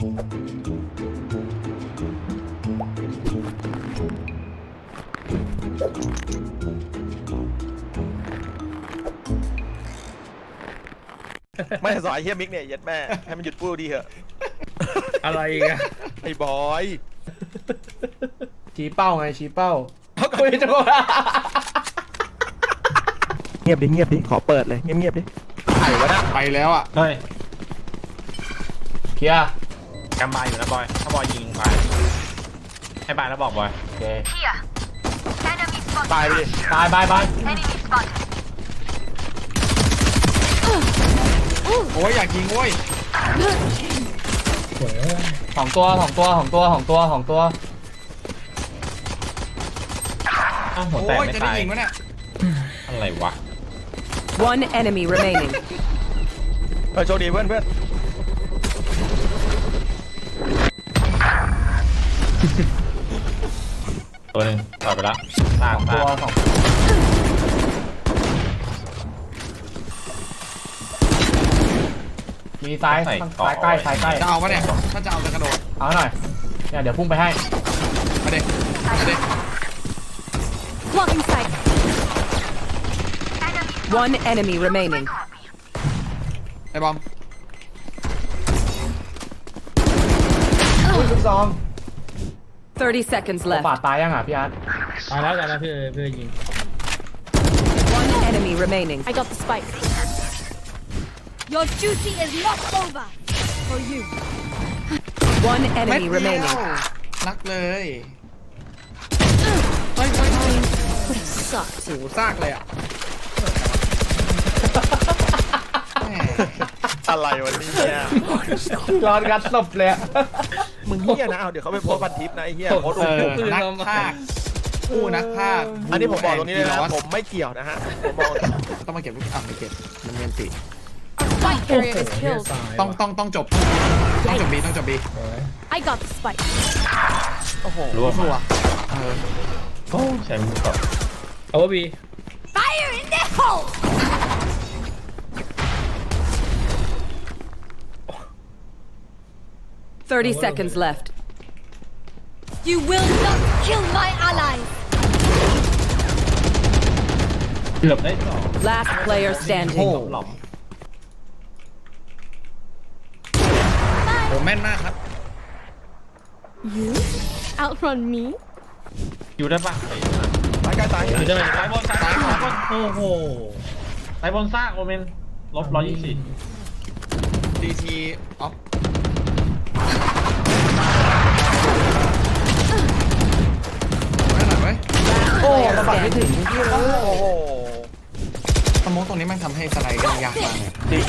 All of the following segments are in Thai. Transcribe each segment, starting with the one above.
ไม่สอยเฮียมิกเนี่ยยัดแม่ให้มันหยุดพูดดีเถอะอะไรกันไอ้บอยชี้เป้าไงชี้เป้าคุยจังวะเงียบดิขอเปิดเลยเงียบดิไข่วะนะไปแล้วอ่ะเฮ้ยเคลียร์กำบายอยู่นะบอยถ้าบอยยิงไปให้บายแล้วบอกบอยโอเคตายไปดิบายบายบายโอ้ยอยากยิงโว้ยของตัวของตัวของตัวของตัวของตัวอ้าวหัวโอ้แตกยไม่จะได้ตายยิงวะเนี่ยอะไรวะ One enemy remaining. โชคดีเพื่อนตัวหนึ่งต่อไปละสร้างตัวสร้างของมีซ้ายซ้ายใกล้ซ้ายใกล้จะเอาปะเนี่ยถ้าจะเอาจะกระโดดเอาหน่อยเนี่ยเดี๋ยวพุ่งไปให้มาเด็มาเด็ Blocking sight. One enemy remaining. ไอ้บอมอุ้ยลูกซอง 30 seconds บา left. ดตายยังอ่ะพี่อาร์ตตายแล้วพี่ยิง One enemy remaining. I got the spike. Your duty is not over for you. One เม็ด enemy เดียว remaining. รักเลย Would have sucked. โอ้โหซากเลยอ่ะแหมอะไรวะเนี่ยร้อนกัดศพเลยอะมึงเฮียนะเอาเดี๋ยวเขาไปโพสต์พันทิปนะไอ้เฮียโพสต์นักภาคผู้นักภาคอันนี้ผมบอกตรงนี้เลยนะผมไม่เกี่ยวนะฮะผมบอกต้องมาเก็บลูกไม่เก็บมันเมียนติ Spike carrier is killed. ต้องจบบีต้องจบบี I got the spike. โอ้โหรวมชัวมา โอ้ใช้มือต่อเอาว่าบี Fire in the hole. 30 seconds left. You will not kill my allies. เกือบได้สอง Last player standing. หล่อมโหแม่นมากครับ You outrun me? อยู่ได้ปะตายใกล้ตายอยู่ได้ไหมสายบนสายบนโอ้โหสายบนซากโอเมนลบ124 DT ออฟไม่หน่อยเว้ย Last โอ้ player ระบาดไม่ถึง standing. พี่เลยโอ้โหสโมองตรงนี้มันทำให้สไลด์ยากมากเลยจริง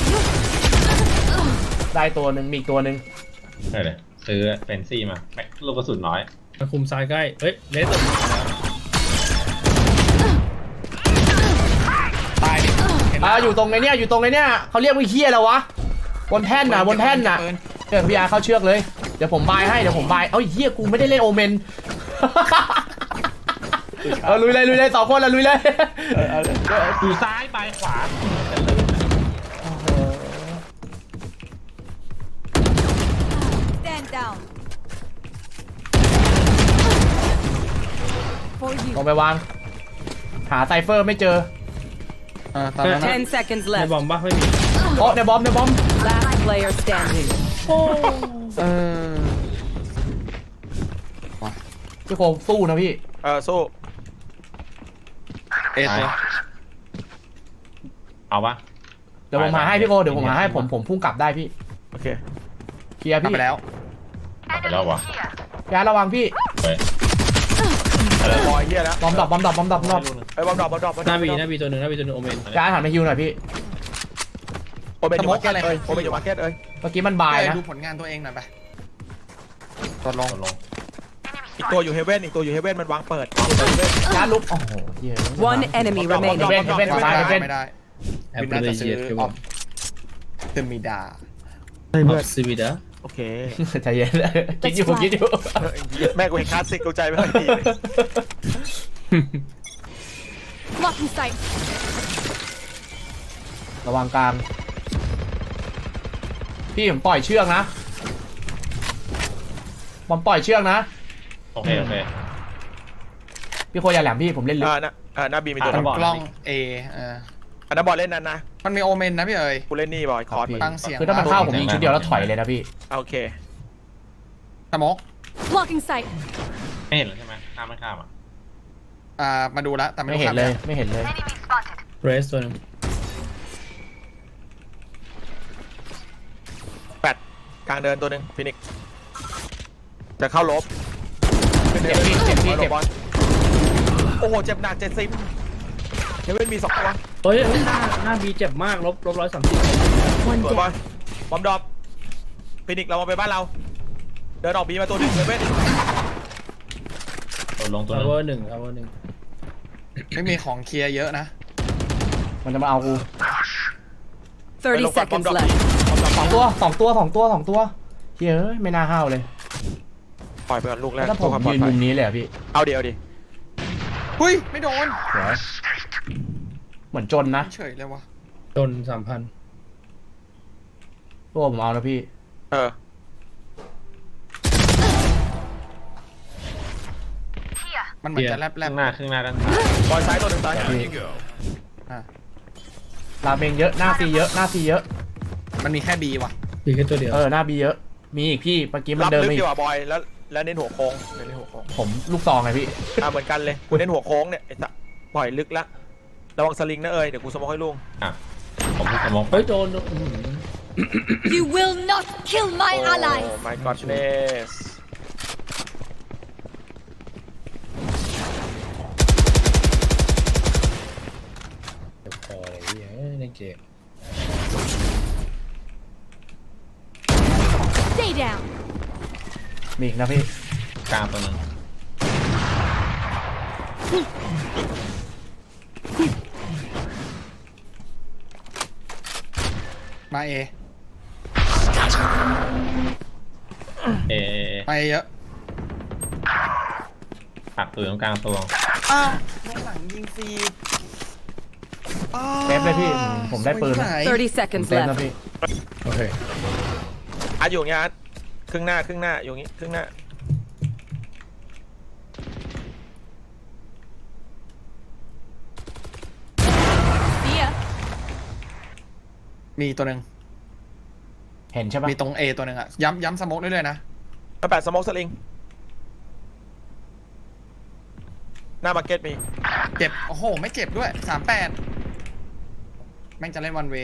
ได้ตัวหนึ่งมีอีกตัวหนึ่งได้เลยซื้อเฟนซี่มาแม็กลูกกระสุนน้อยมาคุมซ้ายใกล้ เฮ้ย เลสตายดิเห็นไหมอยู่ตรงไอ้เนี่ยอยู่ตรงไอ้เนี่ยเขาเรียกว่าเฮียแล้ววะบนแท่นน่ะบนแท่นน่ะเปิดเดี๋ยวพี่อาร์เข้าเชือกเลยเดี๋ยวผมบายให้เดี๋ยวผมบายเอ้ยเฮียกูไม่ได้เล่นโอเมน ลุยเลยสองคนละลุยเลยอยู่ซ้ายไปขวา Stand down. For you. ลงไปวางหาไซเฟอร์ไม่เจอตามนั้นนะ 10 seconds ใน left. บอมบ้าไม่มีโอ้ในบอม Last player standing. พี่โคมสู้นะพี่สู้เอตัวเอาปะเดี๋ยวผมหาให้พี่โคเดี๋ยวผมหาให้ผมพุ่งกลับได้พี่โอเคเคลียร์กลับพี่ไปแล้วเอาไปแล้ววะพี่อาร์ตระวังพี่เฮ้ยบอยเฮียแล้วบอมดรอปไอ้บอมดรอปหน้าบีตัวหนึ่งโอเมนพี่อาร์ตหันมาฮิวหน่อยพี่โอเมนอยู่มาร์เก็ตเลยโอเมนอยู่มาร์เก็ตเอ้ยเมื่อกี้มันบายนะดูผลงานตัวเองหน่อยไปตดลงลงอีกตัวอยู่เฮเว่นมันวางเปิดพี่อาร์ตลุกโอ้โหเฮีย One enemy Drop, drop, remaining. drop. เว้นซ้ายเว้นไม่ได้แอปวินเปิน่าลจะเยีซื้ยอดคืออผอมฟเทมิดาออฟซิวิดาโอเคใจเย็นคิดอยู่แม่กูเห็นคลาสสิกกูใจไม่ค่อยดี Blocking sight. ระวังกลางพี่ผมปล่อยเชือกนะผมปล่อยเชือกนะโอเคโอเคพี่โคอย่าแหลมพี่ผมเล่นลึกหน้าบีมีตัวอ่ะนึงกล้องเออันนั้นบอลเล่นนั้นนะมันมีโอเมนนะพี่เอ๋ยกูเล่นนี่บอยคอร์สตั้งเสียงคือถ้ามันเข้าผมยิงชุดเดียวแล้วถอยเลยนะพี่โอเคสโมก Blocking sight. ไม่เห็นแล้วใช่ไหมข้ามไม่ข้ามอ่ะมาดูแล้วแต่ไม่ไม่รู้เห็นครับเลยไม่เห็นเลยเรสตัวหนึงแปดกลางเดินตัวหนึ่งฟินิกจะเข้าลบเจ็บพี่เจ็บพี่เจ็บบอลโอ้โหเจ็บหนัก70เฮเว่นมี2ตัวเฮ้ยหน้าบีเจ็บมากลบ130 One สวยบอล down. บอมดรอปฟินิกเรามาไปบ้านเราเดินออกบีมาตัวหนึ่งเฮเว่นโดนลงตัวทานึงวเวอร์หนึ่งทาวเวอร์หนึ่งไม่มีของเคลียร์เยอะนะมันจะมาเอากู 30 seconds left. สองตัวเฮ้ยไม่น่าห้าวเลยปล่อยไปก่อนลูกแรแล้กวถ้าผมยืนมุมนี้เลยอะพี่เอาเดี๋ยวดิหุ้ยไม่โดนสวยเหมือนจนนะเฉยเลยวะจน3,000 ตัวผมเอานะพี่มันเหมือนจะแลบข้างหน้าด้านซ้ายบอลซ้ายตัวหนึ่งซ้ายราเมงเยอะหน้าซีเยอะหน้าซีเยอะมันมีแค่บีว่ะบีแค่ตัวเดียวหน้าบีเยอะมีอีกพี่เมื่อกี้มันรับเดินลึกไม่ดีกว่าบอยแล้วเน้นหัวโค้งเน้นหัวโค้งผมลูกซองไงพี่เหมือนกันเลยกูเน้นหัวโค้งเนี่ยไอ้สัสปล่อยลึกละระวังสลิงนะเดี๋ยวกูสโมองให้ลุงอ่ะผมพูดสมองเฮ้ยโดน You will not kill my โอ้ allies. my godness เจ็บคอเลยพี่ในเกม Stay down. มีอีกนะพี่กลางตัวนึงมาเอเอมาเอเยอะตัดตัวตรงกลางตัวอ้าวด้านหลังยิงฟรีเซฟเลยพี่ผมได้ปืนนะ 30 ผม seconds เซฟนะ left. พี่โอเคอาร์ตอยู่อย่างเงี้ยอาร์ตครึ่งหน้าอยู่อย่างงี้ครึ่งหน้า See ya. มีตัวหนึ่งเห็นใช่ปะมีตรงเอตัวหนึ่งอะย้ำสโมกเรื่อยๆนะมาแปดสโมองสลิงหน้ามาร์เก็ตมีเจ็บโอ้โหไม่เจ็บด้วย38แม่งจะเล่นวันเว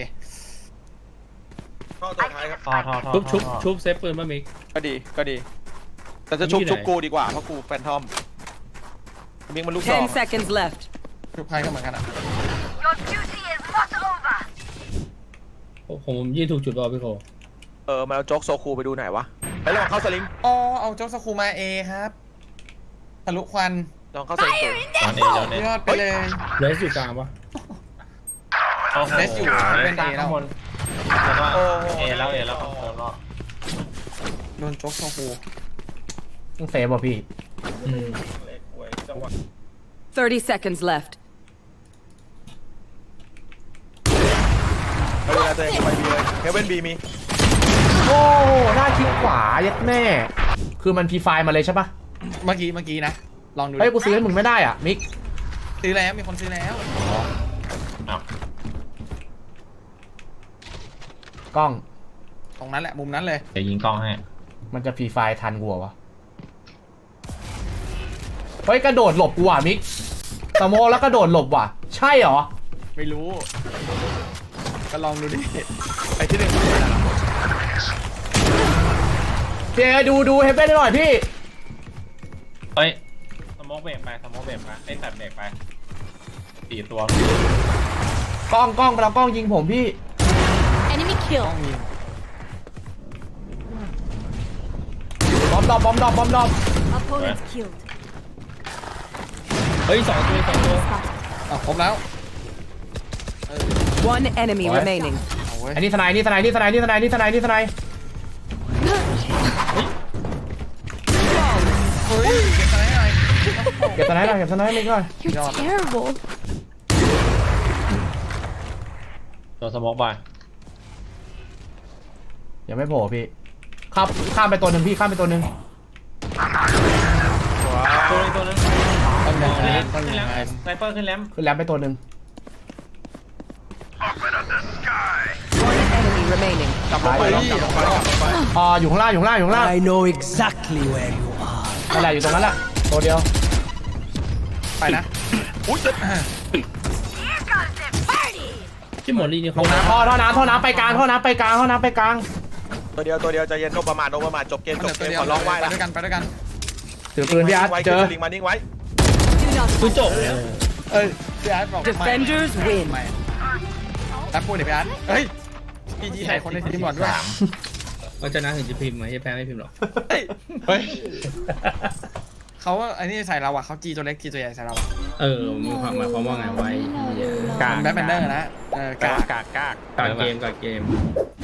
เข้าตัวท้ายครับท่อชุบเซฟปืนป่ะมิกก็ดีแต่จะชุบกูดีกว่าเพราะกูแฟนทอมมิงมันลูกสอง 10 seconds left. ทุกใครก็เหมือนกันอะผมยิงถูกจุดป่ะพี่โคมาเอาโจ๊กโซคูไปดูหน่อยวะไปลองเข้าสลิงอ๋อเอาโจ๊กสคูมาเอครับทะลุควันลองเข้าสลิงตัวตอนเอตอนเอยอดไปเลยเรสอยู่กลางปะเดสอยู่เป็นเอแล้วแล้วก็เอแล้วคอนเฟิร์มแล้วโดนโจ๊กสคูต้องเซฟป่ะพี่ 30 seconds left. ไปดูแลตัวเองไปบีเลยเฮเว่นบีมีโอ้หน้าคลิกขวายัดแม่คือมันพีไฟล์มาเลยใช่ปะเมื่อกี้นะลองดูเฮ้ยกูซื้อให้มึงไม่ได้อ่ะมิกซื้อแล้วมีคนซื้อแล้วอ้าวกล้องตรงนั้นแหละมุมนั้นเลยเดี๋ยวยิงกล้องให้มันจะฟรีไฟล์ทันกูเหรอวะเฮ้ยกระโดดหลบกูอ่ะมิกสโมแล้วกระโดดหลบว่ะใช่เหรอไม่รู้ ก็ลองดูดิไอ้ที่หนึ่งเจดูเฮเว่นหน่อยพี่เฮ้ยสโมกเบรกไปไอ้ตัดเบรกไป4 ตัวกล้องเรากล้องยิงผมพี่ Enemy ต้ kill. องยิงบอมดรอป Opponents killed. เฮ้ย2 ตัวอ่ะครบแล้ว One enemy What? remaining. เอาเว้ยอันนี้ทนายนี่ทนายเฮ้ยเก็บสไนหน่อยเก็บทนายมิกหน่อย You're terrible. ตัวสโมกไปยังไม่โผล่พี่ข้ามไปตัวหนึ่งพี่ข้ามไปตัวหนึ่งตัวนึงต้องเดินขึ้นแลมต้องขึ้นเดิแลนมไซเปอร์ขึ้นแลมขึ้นแล้วไปตัวหนึ่ง One enemy remaining. กลับลงไปกลับลงไปกลับลงไปอยู่ข้างล่างอยู่ข้างล่างอยู่ข้างล่าง I know exactly where you are. นั่นแหละอยู่ตรงนั้นแหละตัวเดียวไปนะอุ้ยเจ็บที่หมดลีนี่เขาท่อน้ำไปกลางท่อน้ำไปกลางตัวเดียวใจเย็นโนประมาทจบเกมมันจเหลืบอเกตัวมเดียวขอร้องไหว้ไปนะด้วยกันไปด้วยกันถือปืนพี่อาร์ตเจอลิงมานิ่งไว้ Do not คือจบแล้วเอ้ยพี่อาร์ตบอกไม่ Defenders win. ไม่แอปพูดดิพี่อาร์ตเฮ้ยพี่จีใส่คนในทีมบอลด้วยเราชนะถึงจะพิมพ์ไหมจะแพ้ไม่พิมพ์หรอกเฮ้ยเขาไอ้นี่ใส่เราอะเขาจีตัวเล็กจีตัวใหญ่ใส่เราอะมีความหมายความว่าไงไว้กลางเป็นแบ็คแบนเดอร์นะกากกากการเกม